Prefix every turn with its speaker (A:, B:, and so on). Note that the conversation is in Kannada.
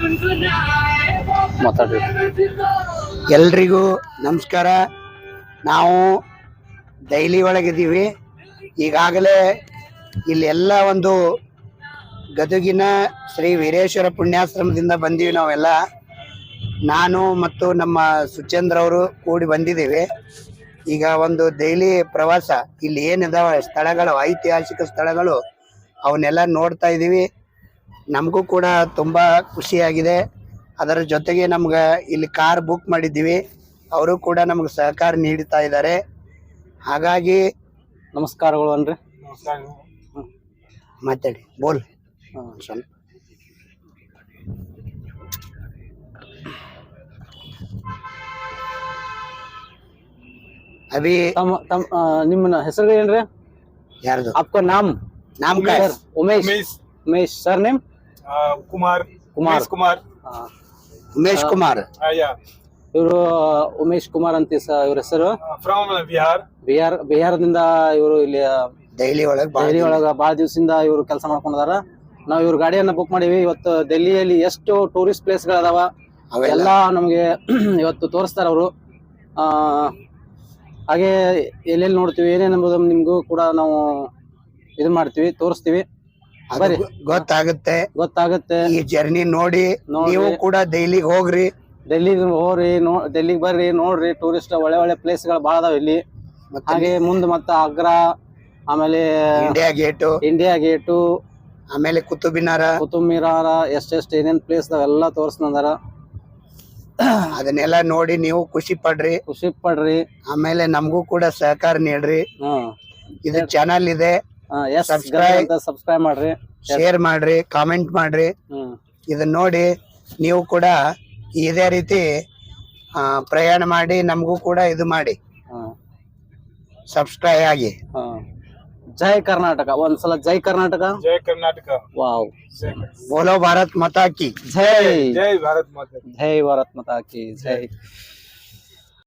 A: ಮಾತಾಡ್ರಿ.
B: ಎಲ್ರಿಗೂ ನಮಸ್ಕಾರ. ನಾವು ಡೈಲಿ ಒಳಗಿದ್ದೀವಿ. ಈಗಾಗಲೇ ಇಲ್ಲಿ ಎಲ್ಲ ಒಂದು ಗದಗಿನ ಶ್ರೀ ವೀರೇಶ್ವರ ಪುಣ್ಯಾಶ್ರಮದಿಂದ ಬಂದೀವಿ ನಾವೆಲ್ಲ. ನಾನು ಮತ್ತು ನಮ್ಮ ಸುಚೇಂದ್ರ ಅವರು ಕೂಡಿ ಬಂದಿದ್ದೀವಿ. ಈಗ ಒಂದು ಡೈಲಿ ಪ್ರವಾಸ, ಇಲ್ಲಿ ಏನಿದಾವೆ ಸ್ಥಳಗಳು, ಐತಿಹಾಸಿಕ ಸ್ಥಳಗಳು, ಅವನ್ನೆಲ್ಲ ನೋಡ್ತಾ ಇದ್ದೀವಿ. ನಮಗೂ ಕೂಡ ತುಂಬ ಖುಷಿಯಾಗಿದೆ. ಅದರ ಜೊತೆಗೆ ನಮ್ಗೆ ಇಲ್ಲಿ ಕಾರ್ ಬುಕ್ ಮಾಡಿದ್ದೀವಿ, ಅವರು ಕೂಡ ನಮ್ಗೆ ಸಹಕಾರ ನೀಡ್ತಾ ಇದ್ದಾರೆ. ಹಾಗಾಗಿ
A: ನಮಸ್ಕಾರಗಳು ಅನ್ರಿ.
B: ಮಾತಾಡಿ ಬೋಲ್ ಸ್ವಲ್ಪ. ಅಭಿ
A: ನಿಮ್ಮ ಹೆಸರು ಏನ್ರಿ?
B: ಯಾರ್ದು?
A: आपका नाम?
B: नाम का है
A: उमेश. Umesh sir name?
C: कुमार.
A: कुमार.
C: कुमार.
B: ಉಮೇಶ್ ಕುಮಾರ್.
A: ಇವರು ಉಮೇಶ್ ಕುಮಾರ್ ಅಂತ ಇವ್ರ ಹೆಸರು.
C: ಫ್ರಮ್ ಬಿಹಾರ್.
A: ಬಿಹಾರದಿಂದ ಇವರು ಇಲ್ಲಿ
B: ದೆಹಲಿ
A: ಒಳಗ ಬಾಳ ದಿವಸದಿಂದ ಇವರು ಕೆಲಸ ಮಾಡ್ಕೊಂಡಾರ. ನಾವು ಇವ್ರ ಗಾಡಿಯನ್ನ ಬುಕ್ ಮಾಡೀವಿ. ಇವತ್ತು ಡೆಲ್ಲಿಯಲ್ಲಿ ಎಷ್ಟು ಟೂರಿಸ್ಟ್ ಪ್ಲೇಸ್ ಗಳದಾವ ಎಲ್ಲ ನಮ್ಗೆ ಇವತ್ತು ತೋರಿಸ್ತಾರ ಅವರು. ಹಾಗೆ ಎಲ್ಲೆಲ್ಲಿ ನೋಡ್ತೀವಿ ಏನೇನಂಬುದು ನಿಮ್ಗೂ ಕೂಡ ನಾವು ಇದು ಮಾಡ್ತೀವಿ, ತೋರಿಸ್ತೀವಿ. ಬರ್ರಿ, ಗೊತ್ತಾಗುತ್ತೆ. ಈ
B: ಜರ್ನಿ ನೋಡಿ ನೀವು ಕೂಡ ದೆಹಲಿಗೆ ಹೋಗ್ರಿ.
A: ಡೆಲ್ಲಿಗೆ ಬರ್ರಿ, ನೋಡ್ರಿ. ಟೂರಿಸ್ಟ್ ಒಳ್ಳೆ ಪ್ಲೇಸ್ ಗಳು ಬಾಳ ಅದಾವ ಇಲ್ಲಿ. ಹಾಗೆ ಮುಂದೆ ಮತ್ತ ಆಗ್ರಾ, ಆಮೇಲೆ ಇಂಡಿಯಾ ಗೇಟು,
B: ಆಮೇಲೆ ಕುತುಬ್ ಮಿನಾರ
A: ಎಷ್ಟೆಷ್ಟು ಏನೇನ್ ಪ್ಲೇಸ್ ಎಲ್ಲ ತೋರಿಸ್ತಾರ.
B: ಅದನ್ನೆಲ್ಲ ನೋಡಿ ನೀವು ಖುಷಿ ಪಡ್ರಿ. ಆಮೇಲೆ ನಮಗೂ ಕೂಡ ಸಹಕಾರ ನೀಡ್ರಿ. ಇದು ಚಾನಲ್ ಇದೆ,
A: ಸಬ್ಸ್ಕ್ರೈಬ್ ಮಾಡ್ರಿ,
B: ಶೇರ್ ಮಾಡ್ರಿ, ಕಾಮೆಂಟ್ ಮಾಡ್ರಿ. ಇದನ್ನ ನೋಡಿ ನೀವು ಕೂಡ ಇದೇ ರೀತಿ ಪ್ರಯಾಣ ಮಾಡಿ ನಮಗೂ ಕೂಡ ಇದು ಮಾಡಿ, ಸಬ್ಸ್ಕ್ರೈಬ್ ಆಗಿ.
A: ಜೈ ಕರ್ನಾಟಕ. ಒಂದ್ಸಲ ಜೈ ಕರ್ನಾಟಕ.
C: ಜೈ ಕರ್ನಾಟಕ.
A: ವಾವ್.
B: ಬೋಲೋ ಭಾರತ್ ಮಾತಾ ಕಿ
A: ಜೈ.
C: ಜೈ ಭಾರತ್ ಮಾತಾ.
A: ಜೈ ಭಾರತ್ ಮಾತಾ ಕಿ ಜೈ.